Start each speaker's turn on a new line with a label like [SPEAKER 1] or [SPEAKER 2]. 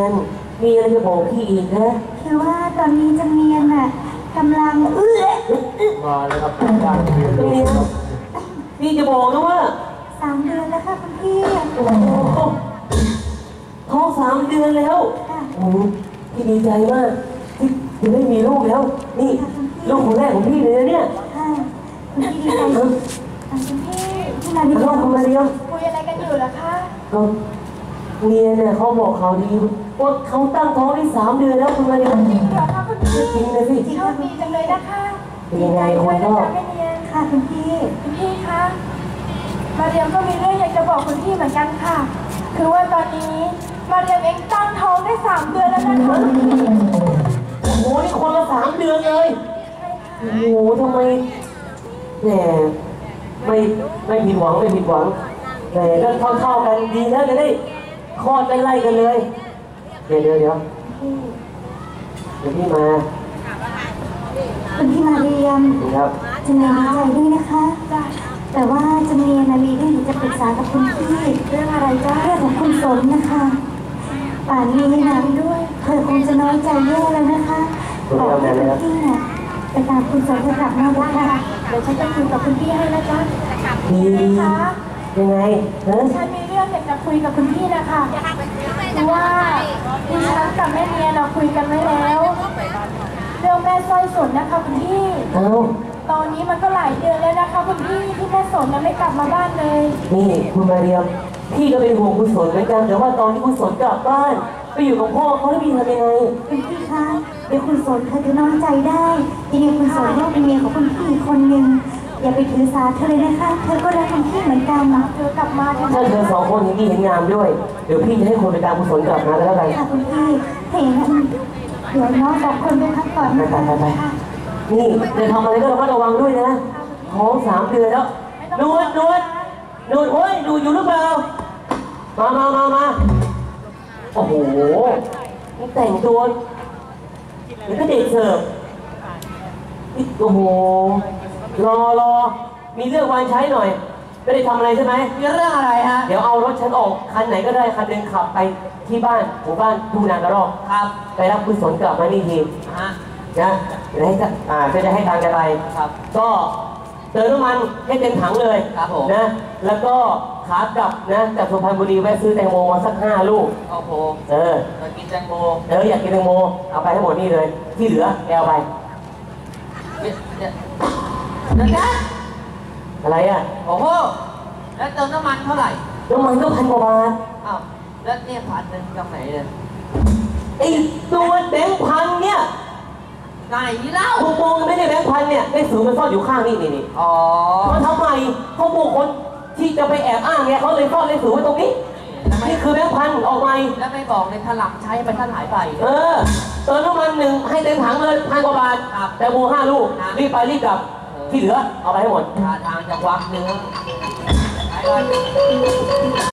[SPEAKER 1] นมีอะไรจะบอกพี่อีกนะ
[SPEAKER 2] คือว่าตอนนี้จำเนียนน่ะกำลัง
[SPEAKER 3] มาเลยครับการเรียนรู้ครับ
[SPEAKER 1] พี่จะบอกนะว่า
[SPEAKER 2] 3 เดือนแล้วค่ะคุณพี่
[SPEAKER 1] โอ้โหท้อง3 เดือนแล้วโอ้โหพี่ดีใจมากที่จะได้มีลูกแล้วนี่ลูกคนแรกของพี่เลยนะเนี่ย
[SPEAKER 2] คุณพี่ดีใจคุณพี่ที่มาดี
[SPEAKER 1] ลูกคุณมาเรียม
[SPEAKER 2] คุยอะไรกันอยู่ล่ะคะ
[SPEAKER 1] ก็เมียเนี่ยเขาบอกข่าวดีว่าเขาตั้งท้องได้3 เดือนแล้วคุณมาเรียม
[SPEAKER 2] จริงเหรอคะคุณพี่
[SPEAKER 1] จริงเลยสิ
[SPEAKER 2] โชคดีจังเลยนะคะ
[SPEAKER 1] เป็นยังไงคนก็
[SPEAKER 2] ค่ะคุณพี่คะมาเรียมก็มีเรื่องอยากจะบอกคุณพี่เหมือนกันค่ะคือว่าตอนนี้มาเรียมเองตั้งท้องได้3 เดือนแล้วนะคะ
[SPEAKER 1] โอ้โหนี่คนละ3 เดือนเลยโอ้โหทำไมแหมไม่ผิดหวังแต่ก็เท่ากันดีแล้วจะได้คลอดไล่กันเลยเดี๋ยวพี่มา
[SPEAKER 2] คุณพี่มาเรียม
[SPEAKER 1] ครับ
[SPEAKER 2] จะเนียนดีใจด้วยนะคะแต่ว่าจะเนียนมีเรื่องจะปรึกษากับคุณพี่เรื่องอะไรจ้าเรื่องของคุณสนนะคะป่านนี้นะด้วยเธอคงจะน้อยใจแย่แล้วนะคะบอกให้คุณพี่น่ะไปตามคุณสนเธอกลับมาด้วยค่ะเดี๋ยวฉันจะคุยกับคุณพี่ให้นะจ๊ะ
[SPEAKER 1] ดีคะยังไง
[SPEAKER 2] ฉันมีเรื่องอยากจะคุยกับคุณพี่นะคะคือว่าดิฉันกับแม่เนียเราคุยกันไว้แล้วเรื่องแม่สร้อยสนนะคะคุณพี่ตอนนี้มันก็หลายเดือนแล้วนะคะคุณพี่ที่แม่สนยังไม่กลับมาบ้านเลย
[SPEAKER 1] นี่คุณมาเรียมพี่ก็เป็นห่วงคุณสนเหมือนกันแต่ว่าตอนที่คุณสนกลับบ้านไปอยู่กับพ่อเขาแล้วพี่ทำยังไง
[SPEAKER 2] คุณพี่คะเดี๋ยวคุณสนเธอจะน้อยใจได้ยังไงคุณสนก็เป็นเมียของคุณพี่คนหนึ่งอย่าไปถือสาเธอเลยนะคะเธอก็รักคุณพี่เหมือนกันเธอกลับมา
[SPEAKER 1] ถ้าเธอ2 คนนี้เห็นงามด้วยเดี๋ยวพี่จะให้คนไปตามคุณสนกลับมาแล้วกัน
[SPEAKER 2] ค่ะคุณพี่เห็นเดี๋ยวน้อง2 คนไปพักก่อน
[SPEAKER 1] ไปนี่จะทำอะไรก็ระวังด้วยนะท้อง3 เดือนแล้วนวดเฮ้ยดูอยู่หรือเปล่ามาโอ้โหแต่งตัวนี่ก็เด็กเสิร์ฟโอ้โหรอมีเรื่องวางใช้หน่อยไม่ได้ทำอะไรใช่ไหม
[SPEAKER 3] มีเรื่องอะไรฮะ
[SPEAKER 1] เดี๋ยวเอารถฉันออกคันไหนก็ได้คันหนึ่งขับไปที่บ้านหมู่บ้านทุ่งนากระรอก
[SPEAKER 3] ครับ
[SPEAKER 1] ไปรับคุณสนกลับมานี่ทีนะจะได้ให้ทางจะไป
[SPEAKER 3] ครับ
[SPEAKER 1] ก็เติมน้ำมันให้เต็มถังเลย
[SPEAKER 3] ครับผม
[SPEAKER 1] นะแล้วก็ขากลับนะจากสุพรรณบุรีแวะซื้อแตงโมมาสัก5 ลูก
[SPEAKER 3] โอ้โหอยากกินแตงโม
[SPEAKER 1] อยากกินแตงโมเอาไปให้หมดนี่เลยที่เหลือแกเอาไป
[SPEAKER 3] นะ
[SPEAKER 1] อะไรอ่ะ
[SPEAKER 3] โอ้โหแล้วเติมน้ำมันเท่าไหร่
[SPEAKER 1] น้ำมันก็1,000 กว่าบาท
[SPEAKER 3] อ้าวแล้วเนี่ย1,000จากไหนเลย
[SPEAKER 1] ไอ้ตัวแบงค์1,000เนี่ย
[SPEAKER 3] ไหนเล่า
[SPEAKER 1] ผมมองไม่ได้แบงค์1,000เนี่ยได้สูงมันซ่อนอยู่ข้างนี่
[SPEAKER 3] อ๋อ
[SPEAKER 1] มาทำไมเขาบอกคนที่จะไปแอบอ้างเนี่ยเขาเลยซ่อนเลขสูงไว้ตรงนี้นี่คือแบงค์1,000ออกไป
[SPEAKER 3] แล้วไม่บอกเลยถลักใช้ไปท่านหายไป
[SPEAKER 1] เติมน้ำมัน1ให้เต็มถังเลย1,000 กว่าบาทแต่โม5 ลูกรีบไปรีบกลับที่เหลือเอาไปให้หมด
[SPEAKER 3] ทางจากวัดเนื้อ